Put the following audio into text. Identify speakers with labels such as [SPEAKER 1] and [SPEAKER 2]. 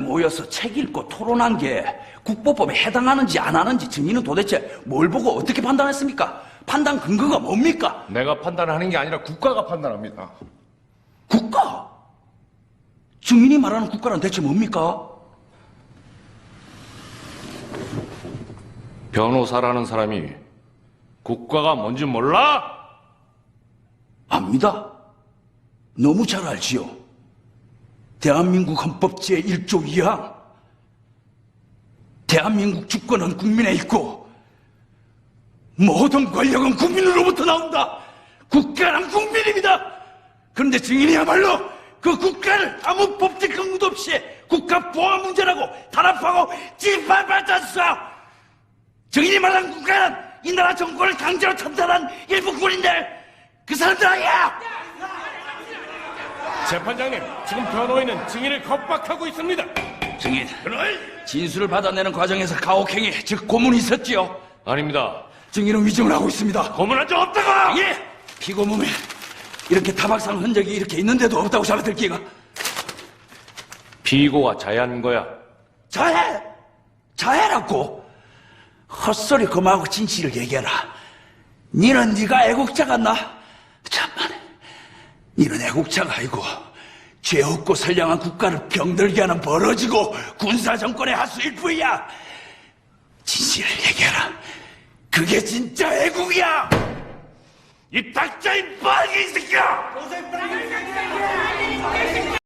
[SPEAKER 1] 모여서 책 읽고 토론한 게 국보법에 해당하는지 안 하는지 증인은 도대체 뭘 보고 어떻게 판단했습니까? 판단 근거가 뭡니까?
[SPEAKER 2] 내가 판단하는 게 아니라 국가가 판단합니다.
[SPEAKER 1] 국가? 증인이 말하는 국가란 대체 뭡니까?
[SPEAKER 2] 변호사라는 사람이 국가가 뭔지 몰라?
[SPEAKER 1] 압니다. 너무 잘 알지요. 대한민국 헌법 제1조 2항. 대한민국 주권은 국민에 있고 모든 권력은 국민으로부터 나온다. 국가란 국민입니다. 그런데 증인이야말로 그 국가를 아무 법적 근거도 없이 국가 보안 문제라고 탄압하고 짓밟았었어. 증인이 말한 국가는 이 나라 정권을 강제로 참탈한 일부 군인들, 그 사람들 아니야.
[SPEAKER 2] 재판장님, 지금 변호인은 증인을 겁박하고 있습니다.
[SPEAKER 1] 증인, 진술을 받아내는 과정에서 가혹행위, 즉 고문이 있었지요?
[SPEAKER 2] 아닙니다.
[SPEAKER 1] 증인은 위증을 하고 있습니다.
[SPEAKER 2] 고문한 적 없다고!
[SPEAKER 1] 예! 피고 몸에 이렇게 타박상 흔적이 이렇게 있는데도 없다고 잡아들기가.
[SPEAKER 2] 피고가 자해한 거야.
[SPEAKER 1] 자해! 자해라고? 헛소리 그만하고 진실을 얘기해라. 니는 네가 애국자 같나? 참만, 니는 애국자가 아니고 죄 없고 선량한 국가를 병들게 하는 벌어지고 군사정권의 하수일 뿐이야. 진실을 얘기해라. 그게 진짜 애국이야. 이 닥쳐 이 빨갱이 새끼야.